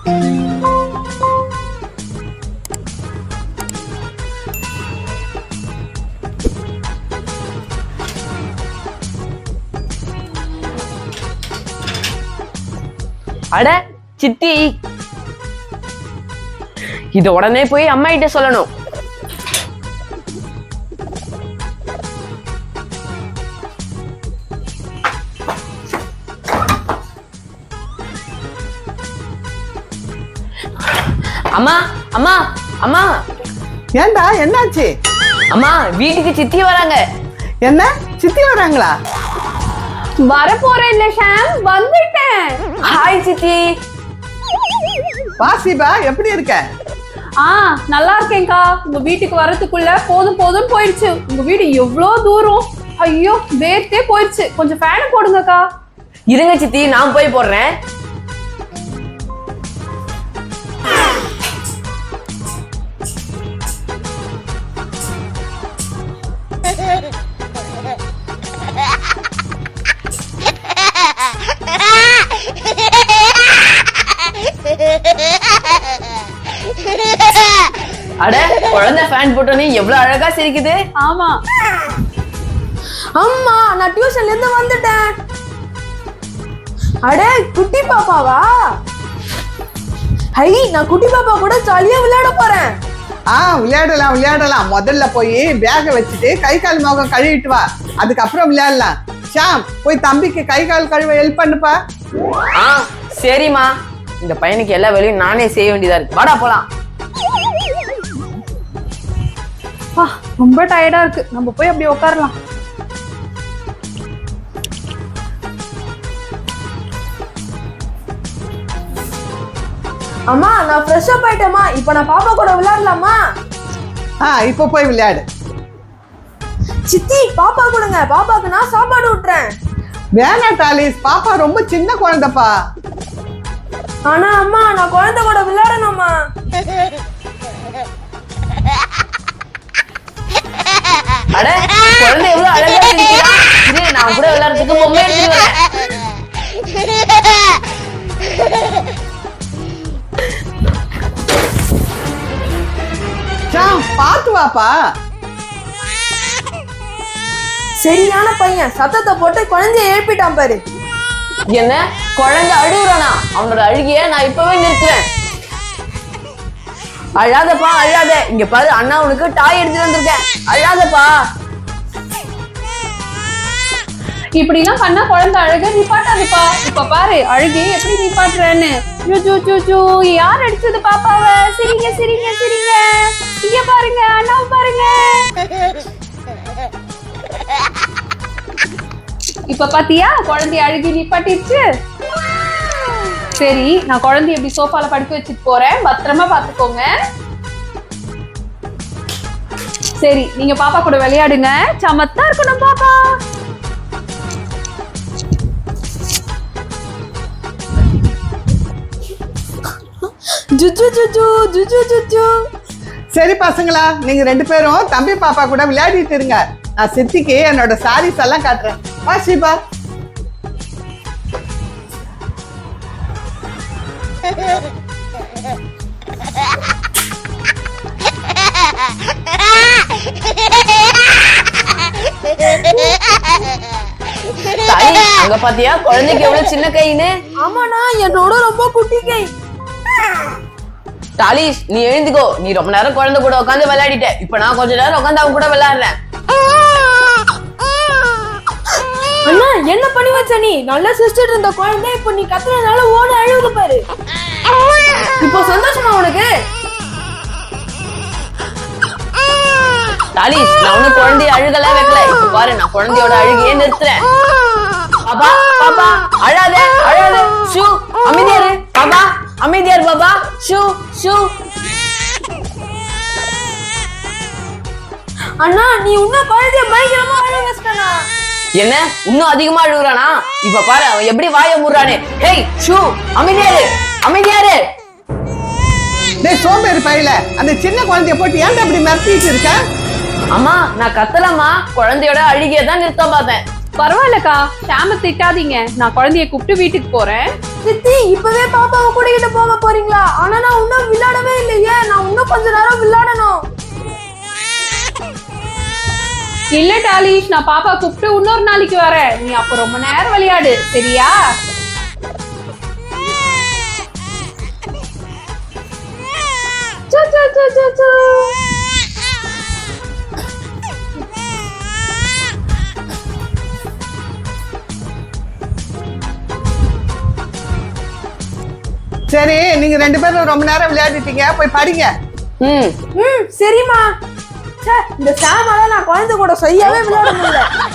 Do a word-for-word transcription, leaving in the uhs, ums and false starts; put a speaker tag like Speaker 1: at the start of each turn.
Speaker 1: அட சித்தி, இத உடனே போய் அம்மா கிட்ட சொல்லணும். அம்மா அம்மா அம்மா.
Speaker 2: ஏண்டா என்னாச்சு?
Speaker 1: அம்மா வீட்டுக்கு சித்தி வராங்க.
Speaker 2: என்ன சித்தி வராங்களா?
Speaker 3: வர போறேன் இல்ல ஷாம், வந்துட்டேன்.
Speaker 1: ஹாய் சித்தி.
Speaker 2: வாசிபா எப்படி இருக்க?
Speaker 3: ஆ நல்லா இருக்கேன்க்கா. உங்க வீட்டுக்கு வரதுக்குள்ள போதும் போதும் போயிடுச்சு. உங்க வீடு எவ்வளவு தூரம், ஐயோ வேர்த்தே போயிடுச்சு. கொஞ்சம் ஃபேன் போடுங்கக்கா.
Speaker 1: இருங்க சித்தி, நான் போய் போடுறேன். அட குழந்தை ஃபேன் போட்டோனே எவ்வளவு அழகா சிரிக்குது.
Speaker 3: ஆமா.
Speaker 4: அம்மா நான் டியூஷன்ல இருந்து வந்துட்டேன். அட குட்டி பாப்பாவா? ஹை, நான் குட்டி பாப்பா கூட ஜாலியா விளையாட போறேன்.
Speaker 2: ஆ விளையாடலாம் விளையாடலாம். முதல்ல போய் பேக வச்சுட்டு கை கால் முகம் கழுவிட்டு வா, அதுக்கப்புறம் விளையாடலாம். ஷாம் போய் தம்பிக்கு கை கால் கழுவ ஹெல்ப் பண்ணுப்பா.
Speaker 1: ஆ சரிம்மா. இந்த பையனுக்கு எல்லா வேலையும் நானே செய்ய வேண்டியதா இருக்கு. வாடா போலாம்.
Speaker 3: ரொம்ப டயர்டா இருக்கு, நம்ம போய் அப்படி உட்காரலாம்.
Speaker 4: அம்மா நான் ஃப்ரெஷ் அப் ஆயிட்டேம்மா. இப்போ நான் பாப்பா கூட விளையாடலாமா?
Speaker 2: ஆ இப்போ போய் விளையாடு.
Speaker 4: சித்தி பாப்பா கொடுங்க, பாப்பாக்கு நான் சாப்பாடு விட்டுறேன்.
Speaker 2: வேணா டாலிஸ், பாப்பா ரொம்ப சின்ன குழந்தைப்பா.
Speaker 4: ஆனா அம்மா நான் குழந்தை கூட விளையாடணும்மா.
Speaker 1: அட குழந்தை எவ்வளவு அழகா சிரிக்கிறா. இரு, நான் கூட விளையாடுறதுக்கு பொம்மை எடுத்துட்டு வரேன்.
Speaker 2: ஷாம் பாத்து வாப்பா.
Speaker 4: சரியான பையன், சத்தத்தை போட்டு குழந்தைய எழுப்பிட்டான் பாரு.
Speaker 1: என்ன குழந்தை அழுகுறானா? அவனோட அழுகிய நான் இப்பவே நிறுத்துறேன். அழாதப்பா அழாத. இங்க பாரு, அண்ணா உனக்கு டாய் எடுத்துட்டு வந்திருக்கேன். அழாதப்பா.
Speaker 3: இப்படி எல்லாம் பண்ணா குழந்தை அழுக நிப்பாட்டாதுப்பா. இப்ப பாரு அழுகி எப்படி நிப்பாட்டுறேன்னு. யார் அடிச்சது பாப்பாவ? சிரிங்க சிரிங்க சிரிங்க. இங்க பாருங்க, அண்ணாவை பாருங்க. இப்ப பாத்தியா குழந்தைய அழுகி நிப்பாட்டிடுச்சு. சரி, நான் குழந்தைய எப்படி சோஃபால படுக்க வச்சுட்டு போறேன், பத்திரமா பாத்துக்கோங்க. சரி, நீங்க பாப்பா கூட விளையாடுங்க. சமத்தா இருக்கணும் பாப்பா.
Speaker 4: ஜுஜு ஜுஜு ஜுஜு ஜுஜு.
Speaker 2: சரி பசங்களா, நீங்க ரெண்டு பேரும் தம்பி பாப்பா கூட விளையாடிட்டு இருங்க. நான் சித்திக்கு என்னோட சாரீஸ் எல்லாம் காட்டுறேன். வா ஷீபா.
Speaker 1: தாய், அங்க பாத்தியா குழந்தைக்கு எவ்வளவு சின்ன கைன்னு?
Speaker 4: ஆமாண்ணா, என்னோட ரொம்ப குட்டி கை.
Speaker 1: டாலிஷ், நீ எழுந்துக்கோ. நீ ரொம்ப நேரம் குழந்தை கூட உட்காந்து விளையாடிட்ட. இப்ப நான் கொஞ்ச நேரம் உட்காந்து அவங்க கூட விளையாடுறேன்.
Speaker 4: அண்ணா என்ன பண்ணி வச்ச நீ? நல்லா சிரிச்சிட்டு இருந்த குழந்தை இப்ப நீ கத்துறதுனால ஓட அழுகுது பாரு. இப்போ சந்தோஷமா உனக்கு?
Speaker 1: டாலிஷ், நான் ஒண்ணு குழந்தைய அழுகல வைக்கல. இப்ப பாரு, நான் குழந்தையோட அழுகையே நிறுத்துறேன். பாப்பா பாப்பா அழாத அழாத. ஷூ அமைதியாரு பாப்பா, அமைதியாரு பாப்பா. Shoe shoe.
Speaker 4: அண்ணா நீ இன்னும் குழந்தைய பயங்கரமா அழுக வச்சிட்டனா?
Speaker 1: என்ன இன்னும் அதிகமா அழுகுறானா? இப்ப பாரு அவன் எப்படி வாய மூடுறானே. Hey shoe, அமைதியாரு அமைதியாரு.
Speaker 2: டேய் சோம்பேறி பையல, அந்த சின்ன குழந்தைய போட்டு ஏன்டா அப்படி மிரட்டிட்டு இருக்க?
Speaker 1: அம்மா நான் கத்தலம்மா, குழந்தையோட அழுகைய தான் நிறுத்த பார்த்தேன்.
Speaker 3: பரவாயில்லக்கா, ஷாம திட்டாதீங்க. நான் குழந்தைய கூப்பிட்டு வீட்டுக்கு போறேன்.
Speaker 4: சித்தி இப்பவே பாப்பாவை கூட்டிட்டு போக போறேன். போறீங்களா? ஆனா நான் இன்னும் விளையாடவே இல்லையே. நான் இன்னும் கொஞ்ச நேரம் விளையாடணும்.
Speaker 3: இல்ல டாலிஷ், நான் பாப்பா கூப்பிட்டு இன்னொரு நாளைக்கு வரேன். நீ அப்ப ரொம்ப நேரம் விளையாடு, சரியா? சு, சு, சு, சு, சு.
Speaker 2: சரி, நீங்க ரெண்டு பேரும் ரொம்ப நேரம் விளையாடிட்டீங்க, போய் படிங்க.
Speaker 1: ம்
Speaker 4: ம் சரிம்மா. ச்சே, இந்த சாமால நான் குழந்தை கூட செய்யவே விளையாட முடியல.